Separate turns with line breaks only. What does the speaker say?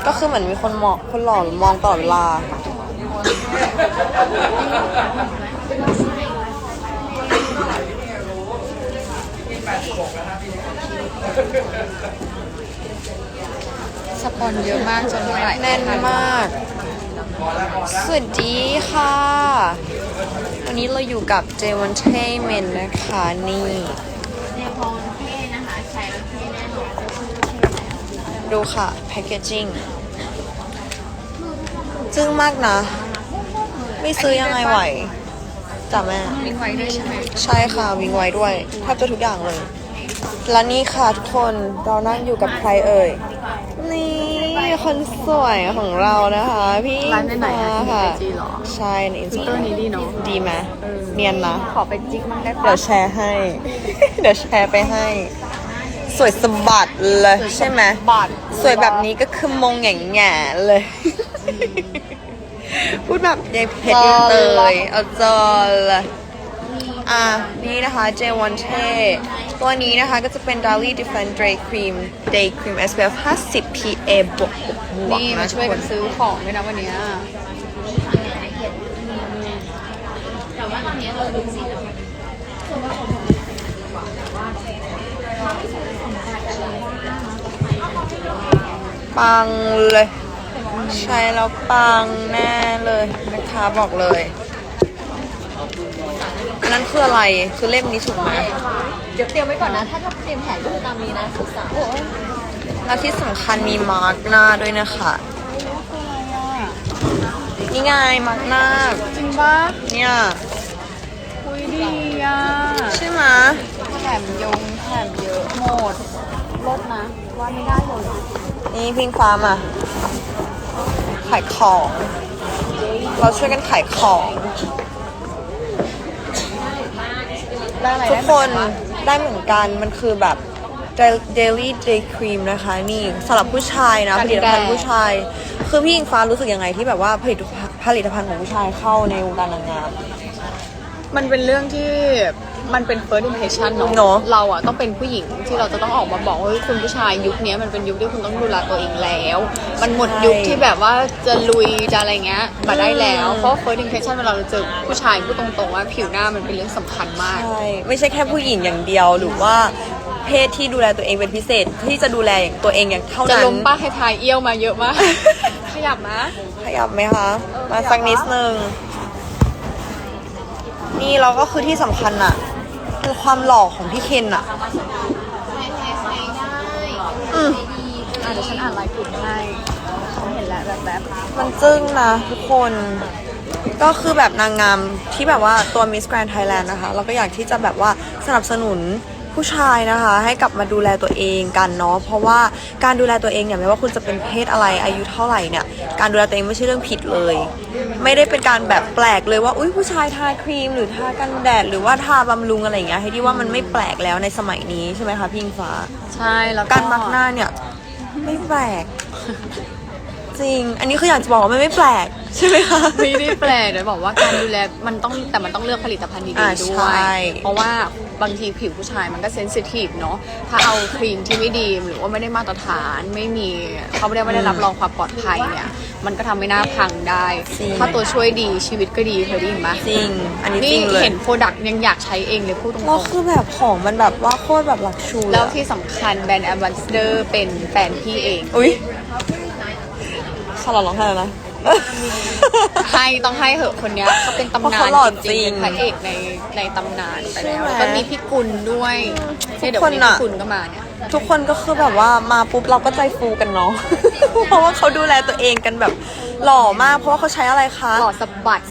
ก็คือเหมือนมีคนมองคนหล่อมองตลอดเวลา
สปอนเยอะมากจนไม่ไหล
แน่นมากสวัสดีค่ะ วันนี้เราอยู่กับเจวันเทเมนนะคะนี่
ในพองเท่นะคะใช้แล้วเท่แน่นอน
ดูค่ะแพคเกจจิ้งจึ้งมากนะ ไม่ซื้อยังไงไหวจ้ะแม่
วิ่งไวด้วยใช่ไหม
ใช่ค่ะวิ่งไว้ด้วยแทบจะทุกอย่างเลย และนี่ค่ะทุกคนเรานั่งอยู่กับใครเอ่ย นี่คนสวยของเรานะคะ พี่
ร้านไหนๆ
มา
อะที่
ค่ะ
ไอจีเหรอ
ใช่ในอินส
ฟิล
ตา
เตอร์นี้ดีเนาะ
ดีไหมเนียนนะ
ขอไปจิ๊กมันได้
เดี๋ย
ปะ
วแชร์ให้ เดี๋ยวแชร์ไปให้ สวยสะบัดเลยใช่ไหม
บัตร
สวยแบบนี้ก็คือมงแง่ๆเลย พูดแบบยายเพชรเตยเอาจอเลยนี่นะคะ J1 เท่ตัวนี้นะคะก็จะเป็น Daily Defend Day Cream Day Cream SPF 50 PA บวกๆ
นี่
นะ
มา
ทุ
ช่วย
กค
กัน นซื้อของด้วยนะวันเนี้ย
ปังเลย ใช้แล้วปังแน่เลยนะคะบอกเลยอันนั้นคืออะไรคือเล่มนี้ถูกไหม
เดี๋ยวเตรียมไว้ก่อนนะ ถ้าเตรียมแผนก็คือตามนี้นะศึกษาโอ้ย
แล้วที่สำคัญมีมาร์กหน้าด้วยนะคะนี่ไงมาร์กหน้า
จริงปะ
เนี่ย
คุยดีอ่ะ
ใช่ไหม
แถมยงแถมเยอะหมดลดนะว่าไม่ได้เลย
นี่พิงฟ้ามาขายของ เราช่วยกันขายของ
ได้อะไร
ทุกคน
ได้
ได้เหมือนกันมันคือแบบ Daily Day Cream นะคะนี่สำหรับผู้ชายนะผลิตภัณฑ์ผู้ชาย คือพี่อิงฟ้ารู้สึกยังไงที่แบบว่าผลิตภัณฑ์ของผู้ชายเข้าในวงการนางงาม
มันเป็นเรื่องที่มันเป็น first impression
เนอะ
เนาะเราอะต้องเป็นผู้หญิงที่เราจะต้องออกมาบอกว่าเฮ้ยคุณผู้ชายยุคนี้มันเป็นยุคที่คุณต้องดูแลตัวเองแล้ว มันหมดยุคที่แบบว่าจะลุยจะอะไรเงี้ยมาได้แล้ว เพราะ first impression เวลาเราเจอผู้ชายพูดตรงๆว่าผิวหน้ามันเป็นเรื่องสำคัญมาก
ใช่ไม่ใช่แค่ผู้หญิงอย่างเดียวหรือว่าเพศที่ดูแลตัวเองเป็นพิเศษที่จะดูแลตัวเองอย่างเท่า
จะ
นั้น
ล้มป้าให้ทายเอี้ยวมาเยอะมาก ขยับนะ
ขยับไหมคะ มาสักนิดนึง นี่เราก็คือที่สำคัญอะคือความหล่อของพี่เคนอะอืม
เดี๋ยวฉันอ่านลายกลุ่มให้ฉันเห็นแล้วแบบ
มันจึ้งนะทุกคน ก็คือแบบนางงามที่แบบว่าตัว Miss Grand Thailand นะคะ เราก็อยากที่จะแบบว่าสนับสนุนผู้ชายนะคะ ให้กลับมาดูแลตัวเองกันเนาะ เพราะว่าการดูแลตัวเองเนี่ยไม่ว่าคุณจะเป็นเพศอะไรอายุเท่าไหร่เนี่ย การดูแลตัวเองไม่ใช่เรื่องผิดเลย ไม่ได้เป็นการแบบแปลกเลยว่าอุ้ยผู้ชายทาครีมหรือทากันแดดหรือว่าทาบำรุงอะไรอย่างเงี้ยให้ที่ว่ามันไม่แปลกแล้วในสมัยนี้ใช่ไหมคะพี่อิงฟ้า
ใช่แล้ว
การมักหน้าเนี่ยไม่แปลก จริง อันนี้คืออยากจะบอกว่ามันไม่แปลกใช่ไหมคะ
ไม่ได้แปลกเดี๋ยวบอกว่าการดูแลมันต้องเลือกผลิตภัณฑ์ดี
อ่า
ๆด้
ใช่
วย เพราะว่าบางทีผิวผู้ชายมันก็เซนซิทีฟเนาะถ้าเอาครีมที่ไม่ดีหรือว่าไม่ได้มาตรฐานไม่มีเขาไม่ได้รับรองความปลอดภัยเนี่ยมันก็ทำให้หน้าพังได้ ถ้าตัวช่วยดีชีวิตก็ดีเคยได้ยินไหม
จริง อันนี้จ
นี่
ริงเลย
เห็นโปรดักต์ยังอยากใช้เองเลยพูดตรง
แล้วคือแบบของมันแบบว่าโคตรแบบหลักชู
ๆแล้วที่สำคัญแบรนด์แอมบาสเดอร์เป็นแฟนพี่เอง
อุ้ยขอร้องไห้แล้วนะ
ให้ต้องให้เหอะคนเนี้ยเขาเป็นตำ
เพราะ
นา
เขา
น
หล่อ
จ
จริ
ริง
ง
ๆเป็นพระเอกในตำนานไปแล้ว
ใช่ไหม
แล้วก็มีพี่กุลด้วยเนี่ยเดี๋ยว
ทุกค
วัน
น
นี้
อะ
พี่กุลก็มาเนี่ย
ทุกคนก็คือแบบว่ามาปุ๊บเราก็ใจฟูกันเนาะ เพราะว่าเขาดูแลตัวเองกันแบบหล่อมาก เพราะว่าเขาใช้อะไรคะ
หล่อสะบัด